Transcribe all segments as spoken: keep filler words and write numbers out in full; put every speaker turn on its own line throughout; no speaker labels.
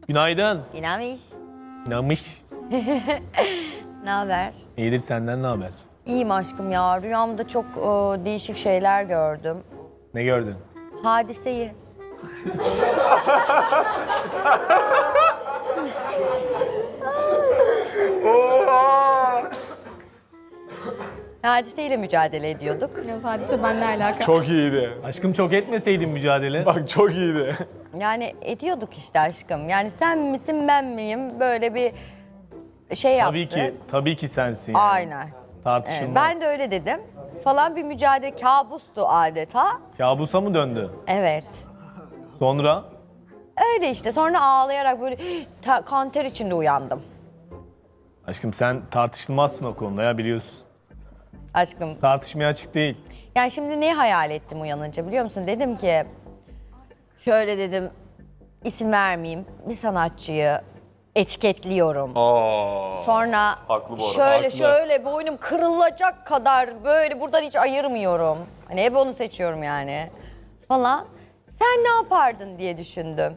Günaydın.
İnamış.
İnanmış.
Ne haber?
İyidir, senden ne haber?
İyiyim aşkım ya. Rüyamda çok e, değişik şeyler gördüm.
Ne gördün?
Hadiseyi. Hadiseyle mücadele ediyorduk.
Yok hadise benimle alakalı.
Çok iyiydi.
Aşkım çok etmeseydin mücadele.
Bak çok iyiydi.
Yani ediyorduk işte aşkım. Yani sen misin ben miyim? Böyle bir şey yaptık.
Tabii ki, tabii ki sensin yani.
Aynen.
Tartışılmaz.
Evet, ben de öyle dedim. Falan bir mücadele kabustu adeta.
Kabusa mı döndü?
Evet.
Sonra?
Öyle işte. Sonra ağlayarak böyle ta- kanter içinde uyandım.
Aşkım sen tartışılmazsın o konuda ya, biliyorsun.
Aşkım.
Tartışmaya açık değil.
Yani şimdi neyi hayal ettim uyanınca biliyor musun? Dedim ki şöyle dedim, isim vermeyeyim, bir sanatçıyı etiketliyorum.
Aa.
Sonra
Haklı bu arada,
şöyle
haklı.
şöyle boynum kırılacak kadar böyle buradan hiç ayırmıyorum. Hani hep onu seçiyorum yani falan. Sen ne yapardın diye düşündüm.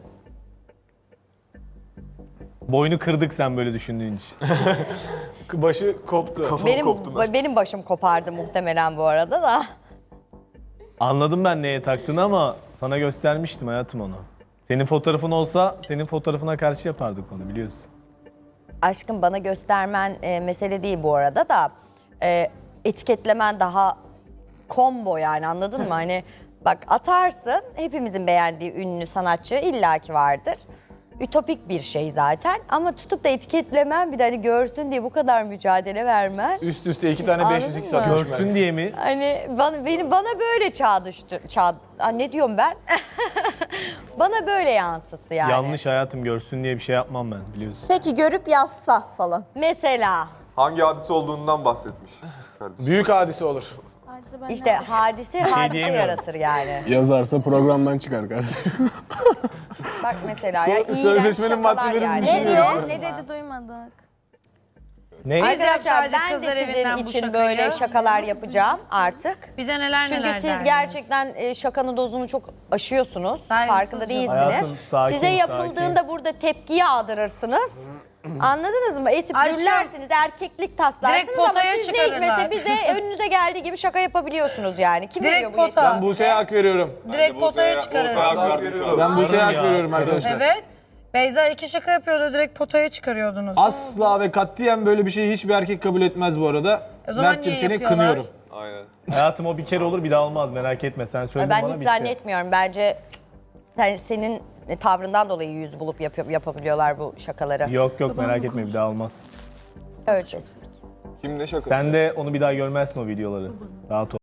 Boynu kırdık sen böyle düşündüğün için.
Başı koptu.
Benim benim başım kopardı muhtemelen bu arada da.
Anladım ben neye taktığını ama sana göstermiştim hayatım onu. Senin fotoğrafın olsa senin fotoğrafına karşı yapardık onu, biliyorsun.
Aşkım bana göstermen e, mesele değil bu arada da e, etiketlemen daha combo yani, anladın mı? Hani bak atarsın, hepimizin beğendiği ünlü sanatçı illaki vardır. Ütopik bir şey zaten ama tutup da etiketlemen, bir de hani görsün diye bu kadar mücadele vermen.
Üst üste iki tane
Anladın
beş yüz x
mı?
atmış.
Görsün diye mi?
Hani bana, beni, bana böyle çağdıştı, çağ, Aa, ne diyorum ben? Bana böyle yansıttı yani.
Yanlış hayatım, görsün diye bir şey yapmam ben, biliyorsun.
Peki görüp yazsa falan.
Mesela
Hangi hadise olduğundan bahsetmiş kardeşim.
Büyük hadise olur.
Hadise benimle
işte hadise hadise
diyemiyorum.
yaratır yani.
Yazarsa programdan çıkar kardeşim.
Bak mesela ya iğrenç
Sözleşmenin
şakalar
alakalı.
yani.
Ne diyor?
Ne dedi duymadık.
Ne?
Arkadaşlar
yapsaydık
ben de
kızlar
sizin
evinden bu
için
şakayı?
böyle şakalar yapacağım artık.
Bize neler
Çünkü
neler
siz
derdiniz.
gerçekten e, şakanın dozunu çok aşıyorsunuz.
Saygısızca.
Farkında değilsiniz.
Hayatım, sakin,
Size yapıldığında burada tepki yağdırırsınız. Anladınız mı? Esip
Aşkım,
gürlersiniz, erkeklik taslarsınız
direkt
ama
potaya
siz ne
çıkarırlar.
hikmetse bize önünüze geldiği gibi şaka yapabiliyorsunuz yani. Kim
Direkt
veriyor bu
pota.
yetkiyi
Ben
size?
Buse'ye hak veriyorum.
Direkt potaya çıkarırsınız.
Ben Buse'ye hak
ya.
veriyorum arkadaşlar.
Evet. Beyza iki şaka yapıyordu, direkt potaya çıkarıyordunuz.
Asla ve katiyen böyle bir şeyi hiçbir erkek kabul etmez bu arada.
O zaman
Mert'cim
niye
seni
yapıyorlar?
kınıyorum.
Aynen.
Hayatım o bir kere olur, bir daha olmaz, merak etme, sen söyledin
Ben
bana
hiç
bitti.
zannetmiyorum. Bence sen, senin tavrından dolayı yüz bulup yapıyor, yapabiliyorlar bu şakaları.
Yok yok, merak etme, bir daha olmaz.
Öleceğiz.
Kim ne şakası?
Sen de onu bir daha görmezsin o videoları. Rahat ol.